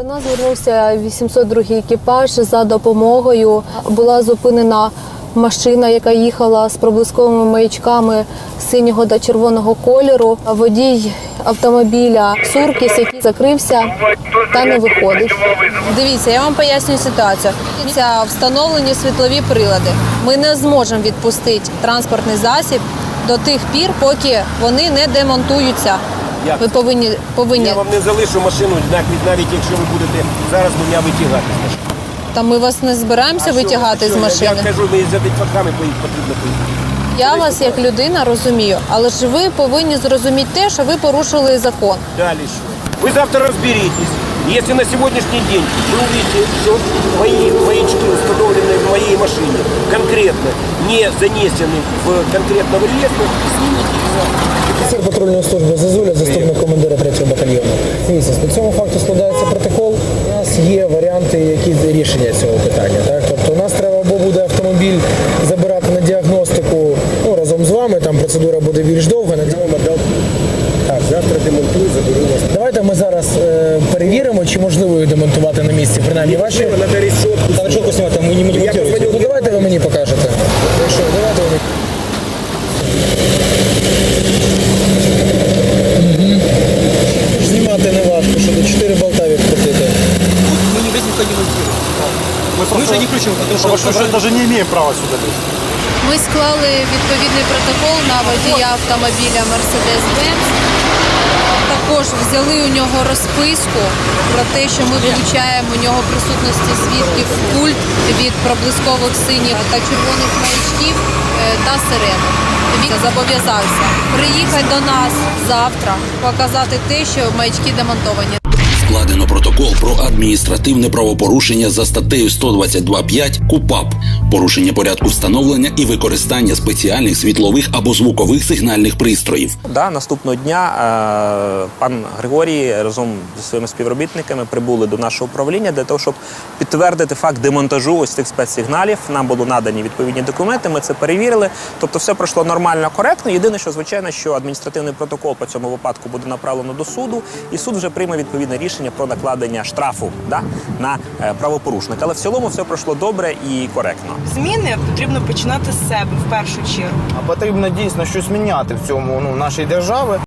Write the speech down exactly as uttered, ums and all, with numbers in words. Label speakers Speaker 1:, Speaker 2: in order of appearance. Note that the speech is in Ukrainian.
Speaker 1: До нас звернувся вісімсот другий екіпаж за допомогою. Була зупинена машина, яка їхала з проблисковими маячками синього та червоного кольору. Водій автомобіля «Суркіс», який закрився та не виходить.
Speaker 2: Дивіться, я вам пояснюю ситуацію. Це встановлені світлові прилади. Ми не зможемо відпустити транспортний засіб до тих пір, поки вони не демонтуються.
Speaker 3: Як?
Speaker 2: Ви повинні, повинні...
Speaker 3: Я вам не залишу машину, навіть якщо ви будете зараз мене витягати з машини.
Speaker 2: Та ми вас не збираємося
Speaker 3: А
Speaker 2: витягати
Speaker 3: що,
Speaker 2: з машини.
Speaker 3: Я кажу, ми за дитваками потрібно поїхати.
Speaker 2: Я вас як людина розумію, але ж ви повинні зрозуміти те, що ви порушили закон.
Speaker 3: Далі що? Ви завтра розберітесь. Если на сегодняшний день вы увидите, что мои маячки, установленные в моей машине, конкретно не занесены в конкретного реестра, снимите их завтра.
Speaker 4: Офіцер патрульної служби Зазуля, заступник командира третього батальйону. Дивіться, по цьому факту складається протокол. У нас є варіанти, які рішення цього питання. Так? Тобто у нас треба або буде автомобіль забирати на діагностику ну, разом з вами, там процедура буде більш довга. На
Speaker 3: Так, завтра демонтую, заберу вас.
Speaker 4: Давайте ми зараз е, перевіримо, чи можливо їх демонтувати на місці, принаймні ваші.
Speaker 3: Надо решетку.
Speaker 4: Та решетку знімати, ми не демонтуємо. Ну давайте ви мені покажете. Якщо, давайте ви мені. Угу. Знімати не важко, що до чотири болта відкрутити.
Speaker 5: Мы не без никого не монтируем. Мы, мы же не включим, потому что, потому что даже не имеем права сюда лезть.
Speaker 2: Ми склали відповідний протокол на водія автомобіля Mercedes-Benz. Також взяли у нього розписку про те, що ми вилучаємо у нього присутності свідків культ від проблискових синіх та червоних маячків е, та сирени. Він зобов'язався приїхати до нас завтра, показати те, що маячки демонтовані.
Speaker 6: Складено протокол про адміністративне правопорушення за статтею сто двадцять два п'ять КУпАП «Порушення порядку встановлення і використання спеціальних світлових або звукових сигнальних пристроїв».
Speaker 7: Да, наступного дня е, пан Григорій разом зі своїми співробітниками прибули до нашого управління для того, щоб підтвердити факт демонтажу ось цих спецсигналів. Нам було надані відповідні документи, ми це перевірили. Тобто все пройшло нормально, коректно. Єдине, що, звичайно, що адміністративний протокол по цьому випадку буде направлено до суду, і суд вже прийме відповідне рішення про накладення штрафу да, на е, правопорушника. Але в цілому все пройшло добре і коректно.
Speaker 8: Зміни потрібно починати з себе в першу чергу.
Speaker 9: А потрібно дійсно щось міняти в цьому ну, нашій державі.